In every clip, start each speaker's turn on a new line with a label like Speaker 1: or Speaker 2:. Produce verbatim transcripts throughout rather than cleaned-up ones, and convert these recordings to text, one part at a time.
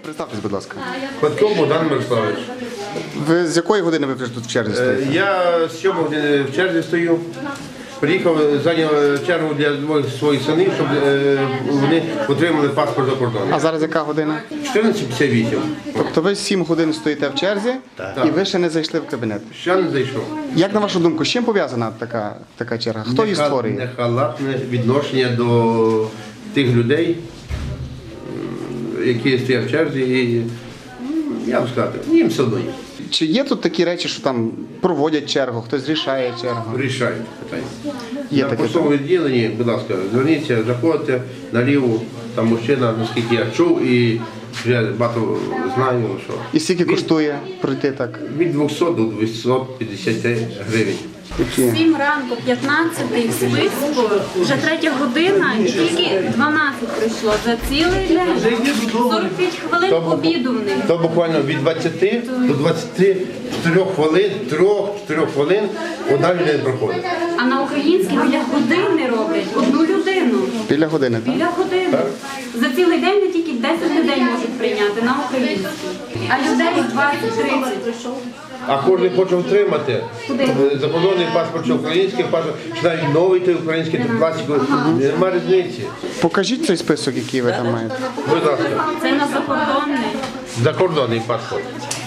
Speaker 1: Представтесь, будь ласка.
Speaker 2: Батько Богдан Мирославович.
Speaker 1: Ви з якої години ви тут в черзі
Speaker 2: Е,
Speaker 1: стоїте?
Speaker 2: Я з сьомої години в черзі стою. Приїхав, зайняв чергу для двох своїх синів, щоб е, вони отримали паспорт за кордоном.
Speaker 1: А зараз яка година?
Speaker 2: чотирнадцять п'ятдесят вісім.
Speaker 1: Тобто ви сім годин стоїте в черзі і ви ще не зайшли в кабінет.
Speaker 2: Ще не зайшов.
Speaker 1: Як на вашу думку, з чим пов'язана така, така черга? Хто її
Speaker 2: Неха-
Speaker 1: створює?
Speaker 2: Нехалатне відношення до тих людей, м, які стоять в черзі. І, м, я вам сказати, їм все одно є.
Speaker 1: Чи є тут такі речі, що там проводять чергу, хтось рішає чергу?
Speaker 2: Рішають питання.
Speaker 1: Є
Speaker 2: На
Speaker 1: таке.
Speaker 2: поштовому відділенні, будь ласка, зверніться, заходьте наліво, там мужчина, наскільки я чув, і вже багато знаю, що
Speaker 1: І скільки коштує пройти так?
Speaker 2: від двохсот до двохсот п'ятдесят гривень.
Speaker 1: Які?
Speaker 3: Сім ранку, п'ятнадцятий в списку, вже третя година, і тільки дванадцять прийшло за цілий день. сорок п'ять хвилин обіду в них.
Speaker 2: То буквально від двадцяти до двадцяти чотирьох хвилин, трьох-чотирьох хвилин одна людина проходить.
Speaker 3: А на українській біля години роблять одну людину.
Speaker 1: Біля години, так?
Speaker 3: Біля години. За цілий день не тільки десять людей можуть прийняти на українській. А людей двадцять-тридцять.
Speaker 2: А кожен хоче отримати закордонний паспорт чи український паспорт, чи навіть новий той український той пластиковий, немає різниці.
Speaker 1: Покажіть цей список, який ви там маєте.
Speaker 2: Будь ласка,
Speaker 3: Це на закордонний.
Speaker 2: закордонний паспорт.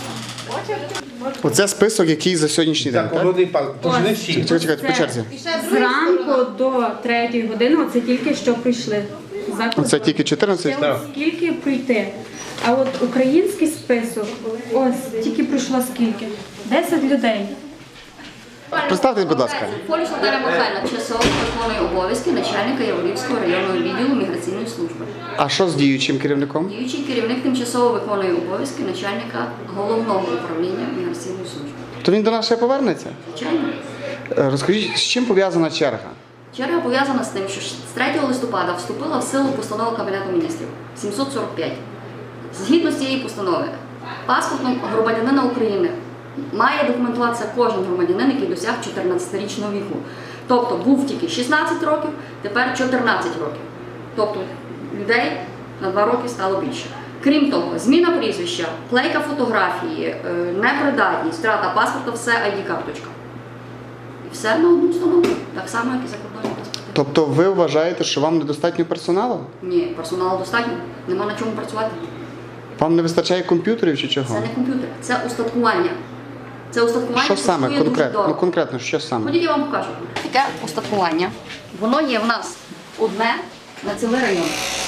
Speaker 1: Оце список, який за сьогоднішній день, так?
Speaker 2: Закордонний паспорт, тож не всі.
Speaker 1: Чекайте, чекайте, по черзі.
Speaker 3: Зранку до третьої години, оце тільки що прийшли. За
Speaker 1: Оце тільки чотирнадцять?
Speaker 3: Ще от скільки прийти. А от український список, ось тільки прийшло скільки? десять людей.
Speaker 1: Представтесь, будь ласка.
Speaker 4: Поліс Наталя Михайлівна часово виконує обов'язки начальника Яворівського районного відділу міграційної служби.
Speaker 1: А що з діючим керівником?
Speaker 4: Діючий керівник тимчасово виконує обов'язки начальника головного управління міграційної служби.
Speaker 1: То він до нас ще повернеться?
Speaker 4: Звичайно.
Speaker 1: Е, Розкажіть, з чим пов'язана черга?
Speaker 4: Черга пов'язана з тим, що з третього листопада вступила в силу постанова Кабінету міністрів сімсот сорок п'ять. Згідно з цієї постанови, паспортом громадянина України має документуватися кожен громадянин, який досяг чотирнадцятирічного віку. Тобто був тільки шістнадцять років, тепер чотирнадцять років. Тобто людей на два роки стало більше. Крім того, зміна прізвища, клейка фотографії, непридатність, втрата паспорта – все ай ді-карточка. І все на одну установу, так само, як і закордонні паспорти.
Speaker 1: Тобто ви вважаєте, що вам недостатньо персоналу?
Speaker 4: Ні, персоналу достатньо, нема на чому працювати.
Speaker 1: Вам не вистачає комп'ютерів чи
Speaker 4: Це
Speaker 1: чого?
Speaker 4: не комп'ютер, це устаткування. Це устаткування
Speaker 1: Що саме
Speaker 4: коштує дуже
Speaker 1: конкретно?
Speaker 4: дорого.
Speaker 1: Ну конкретно, що саме?
Speaker 4: Ходіть, я вам покажу. Таке устаткування. Воно є в нас одне на цілий район.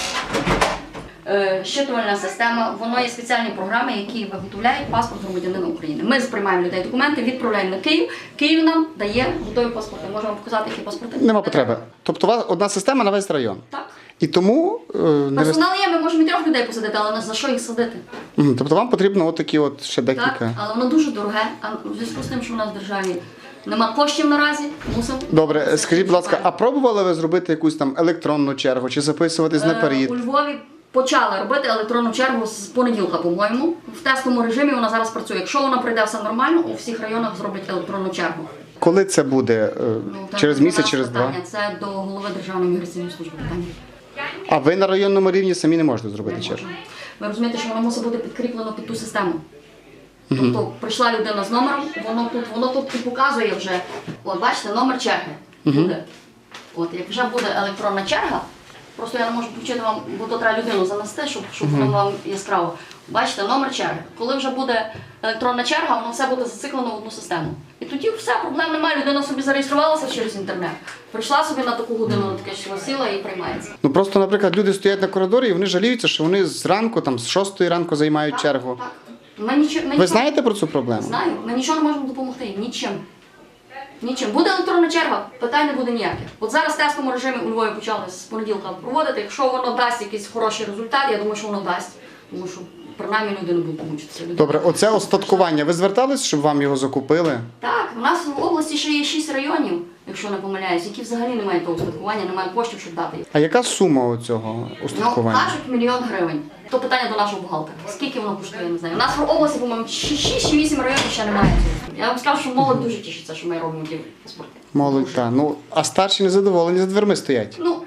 Speaker 4: Е, Щитувальна система, воно є спеціальні програми, які виготовляють паспорт громадянина України. Ми приймаємо людей документи, відправляємо на Київ. Київ нам дає готові паспорти. Можемо показати, які паспорти.
Speaker 1: Нема потреби. Тобто у вас одна система на весь район.
Speaker 4: Так.
Speaker 1: І тому е, не вист...
Speaker 4: Персонал є, ми можемо і трьох людей посадити, але за що їх садити?
Speaker 1: Мгм. Тобто вам потрібно от такі от ще
Speaker 4: Так,
Speaker 1: декілька.
Speaker 4: але воно дуже дороге, а в зв'язку з тим, що в нас в державі нема коштів наразі, мусимо.
Speaker 1: Добре, скажіть, будь ласка, а пробували ви зробити якусь там електронну чергу чи записуватись
Speaker 4: Е,
Speaker 1: наперед?
Speaker 4: У Львові почали робити електронну чергу з понеділка, по-моєму. В тестовому режимі вона зараз працює. Якщо вона пройде все нормально, у всіх районах зроблять електронну чергу.
Speaker 1: Коли це буде? Е,
Speaker 4: Ну, так,
Speaker 1: через
Speaker 4: до
Speaker 1: місяць,
Speaker 4: нас
Speaker 1: через два?
Speaker 4: питання. Це до голови Державної міграційної служби питання.
Speaker 1: А ви на районному рівні самі не можете зробити
Speaker 4: Не
Speaker 1: чергу?
Speaker 4: можемо. Ви розумієте, що воно мусить бути підкріплено під ту систему. Тобто прийшла людина з номером, воно тут, воно тут і показує вже, от бачите, номер черги буде. От, як вже буде електронна черга, просто я не можу включити вам, бо то треба людину занести, щоб, щоб воно вам яскраво. Бачите, номер черги. Коли вже буде електронна черга, воно все буде зациклено в одну систему. І тоді все, проблем немає, людина собі зареєструвалася через інтернет, прийшла собі на таку годину, на таке число сіла і приймається.
Speaker 1: Ну просто, наприклад, люди стоять на коридорі і вони жаліються, що вони зранку, там, з шостої ранку займають чергу.
Speaker 4: Так. Ми нічого, ми
Speaker 1: Ви
Speaker 4: нічого-
Speaker 1: знаєте про цю проблему?
Speaker 4: Знаю, ми нічого не можемо допомогти їм, нічим. Нічим. Буде електронна черга, питань не буде ніяких. От зараз в тестовому режимі у Львові почали з понеділка проводити. Якщо воно дасть якийсь хороший результат, я думаю, що воно дасть. Тому що принаймні люди не будуть мучитися. Люди-
Speaker 1: Добре, оце остаткування. Ви звертались, щоб вам його закупили?
Speaker 4: Так, у нас в області ще є шість районів, якщо не помиляюсь, які взагалі не мають того устаткування, немає коштів, щоб дати їх.
Speaker 1: А яка сума цього
Speaker 4: Ну,
Speaker 1: устаткування?
Speaker 4: кажуть, мільйон гривень. То питання до нашого бухгалтера. Скільки воно коштує, я не знаю. У нас в області, по-моєму, шість чи вісім районів ще немає цього. Я вам скажу, що молодь дуже тішиться, що ми робимо ті паспорти.
Speaker 1: Молодь, так. Ну, а старші незадоволені, за дверми стоять.
Speaker 4: Ну,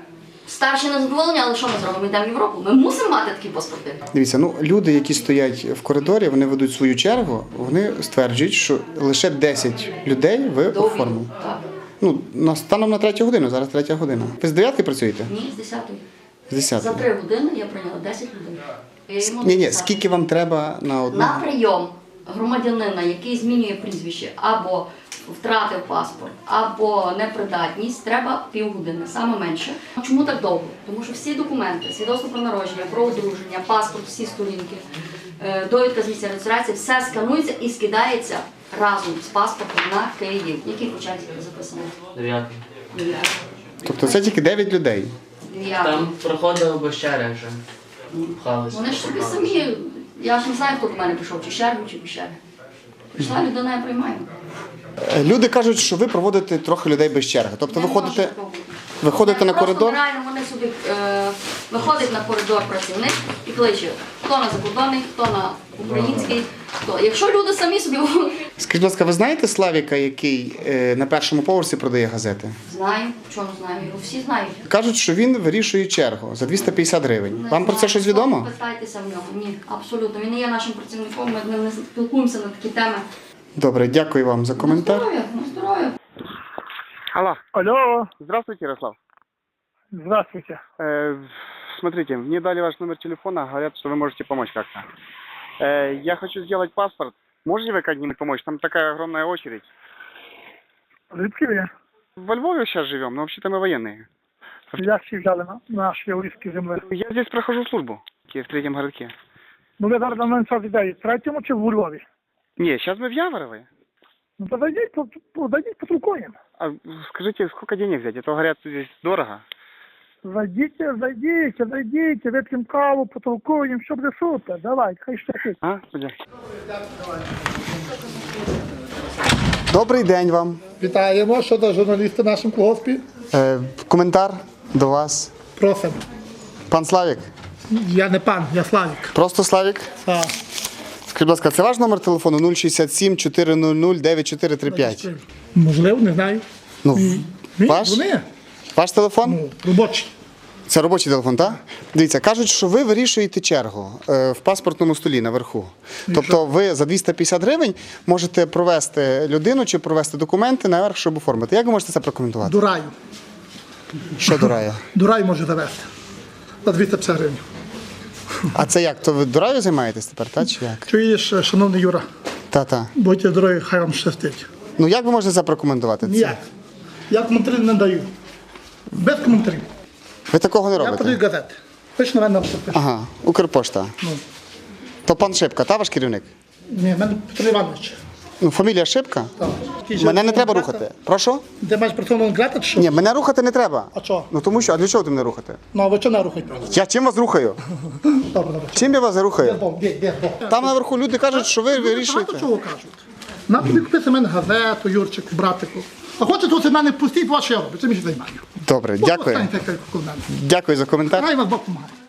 Speaker 4: Старші не задоволені, але що ми зробимо? Ми йдемо в Європу. Ми мусимо мати такі паспорти.
Speaker 1: Дивіться, ну люди, які стоять в коридорі, вони ведуть свою чергу, вони стверджують, що лише десять людей ви
Speaker 4: До обіду.
Speaker 1: оформили.
Speaker 4: Так.
Speaker 1: Ну, на- станом на третю годину, зараз третя година. Ви з дев'ятки працюєте?
Speaker 4: Ні, з десятої.
Speaker 1: З десятої.
Speaker 4: За три години я прийняла десять людей. Я йому
Speaker 1: Ні, ні,
Speaker 4: написала.
Speaker 1: скільки вам треба на одну?
Speaker 4: На прийом громадянина, який змінює прізвище, або втратив паспорт, або непридатність, треба півгодини, саме менше. Чому так довго? Тому що всі документи, свідоцтво про народження, про одруження, паспорт, всі сторінки, е, довідка з місця реєстрації, все сканується і скидається разом з паспортом на Київ. Який початок записано?
Speaker 5: Дев'ятий.
Speaker 4: Дев'ятий.
Speaker 1: Тобто це тільки дев'ять людей.
Speaker 4: Дев'ятий.
Speaker 5: Там проходили без черги вже. Пхалися.
Speaker 4: Вони ж собі самі. Я ж не знаю, хто до мене прийшов, чи чергу, чи без черги. Прийшла людина, я приймаю.
Speaker 1: Е, Люди кажуть, що ви проводите трохи людей без черги. Тобто ви
Speaker 4: Не
Speaker 1: ходите,
Speaker 4: може бути.
Speaker 1: виходите на
Speaker 4: Просто
Speaker 1: коридор.
Speaker 4: Реально вони собі е, виходить на коридор працівник і кличе, хто на закордонний, хто на український, хто. Якщо люди самі собі
Speaker 1: Скажіть, будь ласка, ви знаєте Славіка, який е, на першому поверсі продає газети?
Speaker 4: знаю, чому знаю, його всі знають.
Speaker 1: Кажуть, що він вирішує чергу за двісті п'ятдесят гривень.
Speaker 4: Не
Speaker 1: Вам про це
Speaker 4: знаю.
Speaker 1: щось відомо?
Speaker 4: Питайтеся в нього. Ні, абсолютно. Він не є нашим працівником, ми з ним не спілкуємося на такі теми.
Speaker 1: Добре, дякую вам за
Speaker 4: На
Speaker 1: коментар.
Speaker 4: здоров'я, на здоров'я.
Speaker 1: Алло,
Speaker 6: Алло,
Speaker 1: здравствуйте, Ярослав.
Speaker 6: здравствуйте.
Speaker 1: Э, смотрите, мне дали ваш номер телефона, говорят, что вы можете помочь как-то. Э, я хочу сделать паспорт. Можете вы как-нибудь помочь? Там такая огромная очередь.
Speaker 6: Звідки ви?
Speaker 1: Во Львове сейчас живем, но вообще-то мы военные.
Speaker 6: Як всі взяли на наші львівські землі?
Speaker 1: Я здесь прохожу службу, в третьем городке.
Speaker 6: Ну ви зараз на мене час ідеї, в третьому чи в Львові?
Speaker 1: Не, сейчас мы в Яворове.
Speaker 6: Ну то зайдіть, по- по- зайдіть потолкуємо.
Speaker 1: А скажите, сколько денег взять? А то говорят, здесь дорого.
Speaker 6: Зайдіть, зайдіть, зайдіть, вип'ємо каву, потолкуємо, що буде супер. Давай, хай щастить.
Speaker 1: А? Добрий день вам.
Speaker 6: Вітаємо, що до журналіста в нашому колгоспі.
Speaker 1: Е, коментар до вас.
Speaker 6: Просимо.
Speaker 1: Пан Славік.
Speaker 6: Я не пан, я Славік.
Speaker 1: Просто Славік.
Speaker 6: А,
Speaker 1: Скажіть, будь ласка, це ваш номер телефону нуль шістдесят сім чотириста дев'ять чотири три п'ять?
Speaker 6: можливо, не знаю.
Speaker 1: Ну,
Speaker 6: Ні,
Speaker 1: ваш?
Speaker 6: Вони,
Speaker 1: Ваш телефон?
Speaker 6: ну, робочі.
Speaker 1: Це робочий телефон, так? Дивіться, кажуть, що ви вирішуєте чергу е, в паспортному столі наверху. Тобто ви за двісті п'ятдесят гривень можете провести людину чи провести документи наверх, щоб оформити. Як ви можете це прокоментувати?
Speaker 6: До раю.
Speaker 1: Що до раю?
Speaker 6: До раю може завести. За двісті п'ятдесят гривень.
Speaker 1: А це як? То ви до раю займаєтесь тепер, так? Чи як?
Speaker 6: Чуєш, шановний Юра,
Speaker 1: Та-та.
Speaker 6: будьте здорові, хай вам щастить.
Speaker 1: Ну як ви можете це прокоментувати? Це-
Speaker 6: Ніяк. Я коментарів не даю. Без коментарів.
Speaker 1: Ви такого не
Speaker 6: Я подаю
Speaker 1: робите?
Speaker 6: газети. Пиш на мене написати.
Speaker 1: Ага, Укрпошта.
Speaker 6: Ну.
Speaker 1: То пан Шипка, та ваш керівник?
Speaker 6: Ні, в мене Петро Іванович.
Speaker 1: Ну, фамілія Шипка?
Speaker 6: Так.
Speaker 1: Мене не треба рухати. Прошу?
Speaker 6: Ти маєш працовну грати чи що?
Speaker 1: Ні, мене рухати не треба.
Speaker 6: А що?
Speaker 1: Ну тому що, а для чого ти мене рухати?
Speaker 6: Ну, а ви чого не рухаєте?
Speaker 1: Я чим вас рухаю?
Speaker 6: Добре, добре.
Speaker 1: Чим я вас рухаю?
Speaker 6: Бо, де, де, бо.
Speaker 1: Там наверху люди кажуть, що ви вирішуєте.
Speaker 6: Багато чого кажуть. На тобі купити мене газету, Юрчику, братику. А хочете тут в мене пустіть, вас що я роблю, це мені займаю.
Speaker 1: Добре, дякую.
Speaker 6: Останьте, як коло мене.
Speaker 1: Дякую за коментар.
Speaker 6: Хай вас Бог помагає.